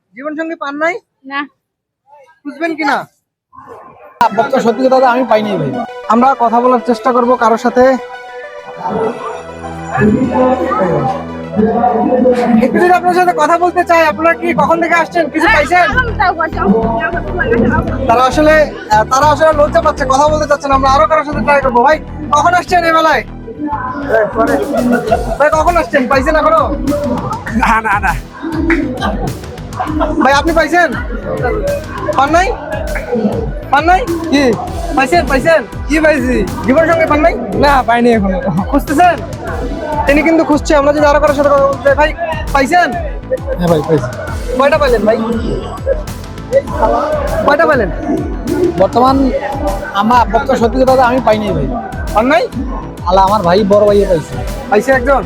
জীবন সঙ্গী পান নাই? না। খুঁজবেন কিনা? সত্যি কথা আমি পাইনি ভাই। আমরা কথা বলার চেষ্টা করব কারোর সাথে। একটু যদি আপনার সাথে কথা বলতে চাই, আপনারা কি কখন থেকে আসছেন? কিছু পাইছেন? তারা আসলে লজ্জা পাচ্ছে, কথা বলতে চাচ্ছে না। আমরা আরো কারোর সাথে ট্রাই করবো। ভাই কখন আসছেন এই মেলায়? ভাই কখন আসছেন? পাইছেন এখনো? না না না ভাই আপনি পাইছেন? পান নাই? পান নাই? কি পাইছেন? পাইছেন? কি পাইছি? জীবন সঙ্গে পান নাই? না পাইনি এখনো। খুঁজতেছেন? তিনি কিন্তু খুঁজছে। আমরা যদি আরো কারোর সাথে কথা বলতে চাই, ভাই পাইছেন? হ্যাঁ ভাই পাইছি। কয়টা পাইলেন ভাই? কয়টা পাইলেন? বর্তমান আমার সত্যি কথা আমি পাইনি ভাই। পান নাই? আলা আমার ভাই বড় ভাইয়ে পাইছে। পাইছে একজন।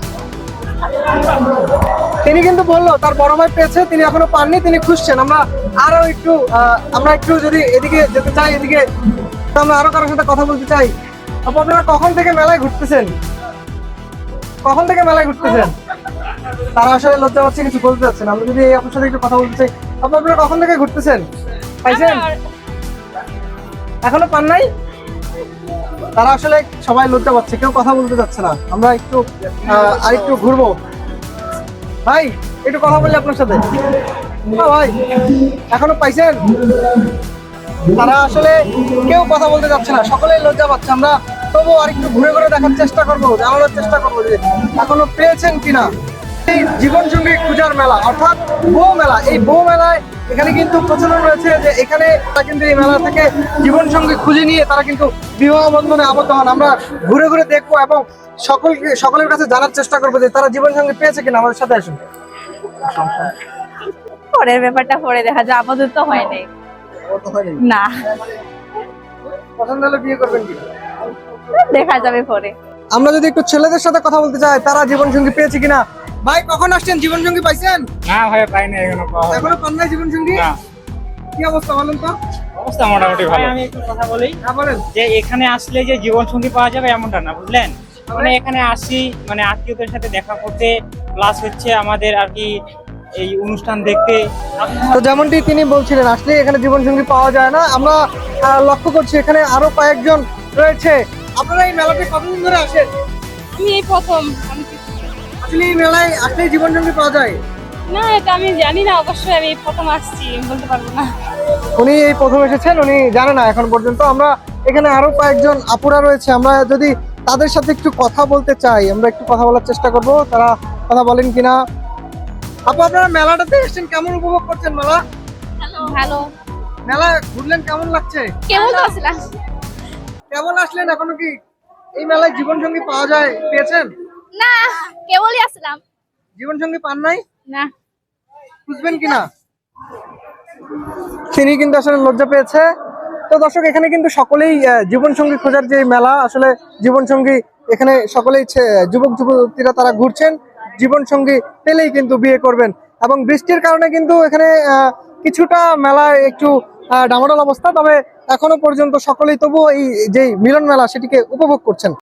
তিনি কিন্তু বললো তার বড় ভাই পেয়েছে, তিনি এখনো পাননি, তিনি খুঁজছেন। আমরা একটু যদি এদিকে যেতে চাই, এদিকে তো আমরা আরো কারোর সাথে কথা বলতে চাই। আপনারা কখন থেকে মেলায় ঘুরতেছেন? কখন থেকে মেলায় ঘুরতেছেন? তারা আসলে লজ্জা পাচ্ছে, কিছু বলতে চাচ্ছে না। আমরা যদি আপনার সাথে একটু কথা বলতে চাই, আপনারা কখন থেকে ঘুরতেছেন? পাইছেন? এখনো পান নাই? তারা আসলে সবাই লজ্জা পাচ্ছে, কেউ কথা বলতে চাচ্ছে না। আমরা একটু আরেকটু ঘুরবো। ভাই একটু কথা বললে আপনার সাথে। ভাই এখনো পাইছেন? তারা আসলে কেউ কথা বলতে যাচ্ছে না, সকলেই লজ্জা পাচ্ছে। আমরা তবুও আরেকটু ঘুরে ঘুরে দেখার চেষ্টা করবো, জানানোর চেষ্টা করবো যে এখনো পেয়েছেন কিনা। এই জীবন সঙ্গী খোঁজার মেলা অর্থাৎ বউ মেলা, এই বউ মেলায় এখানে কিন্তু প্রচলন রয়েছে যে এখানে তারা কিন্তু এই মেলা থেকে জীবন সঙ্গী খুঁজে নিয়ে তারা কিন্তু বিবাহ বন্ধনে আবদ্ধ হন। আমরা ঘুরে ঘুরে দেখবো এবং সকলের কাছে জানার চেষ্টা করবো যে তারা জীবন সঙ্গী পেয়েছে কিনা। আমাদের সাথে আসুন। পরের ব্যাপারটা পরে দেখা যায়, আপাতত হয় নাই। না, পছন্দ হলে বিয়ে করবেন কি? দেখা যাবে পরে। আমরা যদি একটু ছেলেদের সাথে কথা বলতে চাই, তারা জীবন সঙ্গী পেয়েছে কিনা। ভাই কখন আসছেন? জীবন সঙ্গী পাইছেন? না ভাই পাইনি এখনো। এখনো পান নাই জীবন সঙ্গী? না। কি অবস্থা বলেন তো? অবস্থা মোটামুটি ভালো। আমি একটু কথা বলি। হ্যাঁ বলেন। যে এখানে আসলে যে জীবন সঙ্গী পাওয়া যাবে এমনটা না, বুঝলেন? মানে এখানে আসি মানে আত্মীয়দের সাথে দেখা করতে, প্লাস হচ্ছে আমাদের আর কি এই অনুষ্ঠান দেখতে। তো যেমনটি তিনি বলছিলেন, আসলে এখানে জীবন সঙ্গী পাওয়া যায় না। আমরা লক্ষ্য করছি এখানে আরো কয়েকজন রয়েছে। আপনারা এই মেলাতে কতদিন ধরে আসেন? আমি এই প্রথম। আসলে এই মেলায় আসলে জীবন সঙ্গী পাওয়া যায়? না, এটা আমি জানি না, অবশ্যই আমি প্রথম আসছি, বলতে পারবো না। উনি এই প্রথম এসেছেন, উনি জানে না এখন পর্যন্ত। আমরা এখানে আরো কয়েকজন আপুরা রয়েছে, আমরা যদি তাদের সাথে একটু কথা বলতে চাই, আমরা একটু কথা বলার চেষ্টা করব, তারা কথা বলেন কিনা। আপু আপনারা মেলাটাতে এসেছেন, কেমন উপভোগ করছেন মেলা? ভালো। মেলা ঘুরলেন, কেমন লাগছে? কেমন আসলাম? কেমন আসলেন? এখনো কি এই মেলায় জীবন সঙ্গী পাওয়া যায়? পেয়েছেন? না, কেবলই আসলাম। জীবন সঙ্গী পান নাই? না। খুঁজবেন কিনা? তিনি কিন্তু আসলে লজ্জা পেয়েছে। তো দর্শক, এখানে কিন্তু সকলেই জীবন সঙ্গী খোঁজার যে মেলা, আসলে জীবন সঙ্গী এখানে সকলেই যুবক যুবতীরা তারা ঘুরছেন। জীবন সঙ্গী পেলেই কিন্তু বিয়ে করবেন। এবং বৃষ্টির কারণে কিন্তু এখানে কিছুটা মেলায় একটু ডামাডোল অবস্থা, তবে এখনো পর্যন্ত সকলেই তবুও এই যে মিলন মেলা সেটিকে উপভোগ করছেন।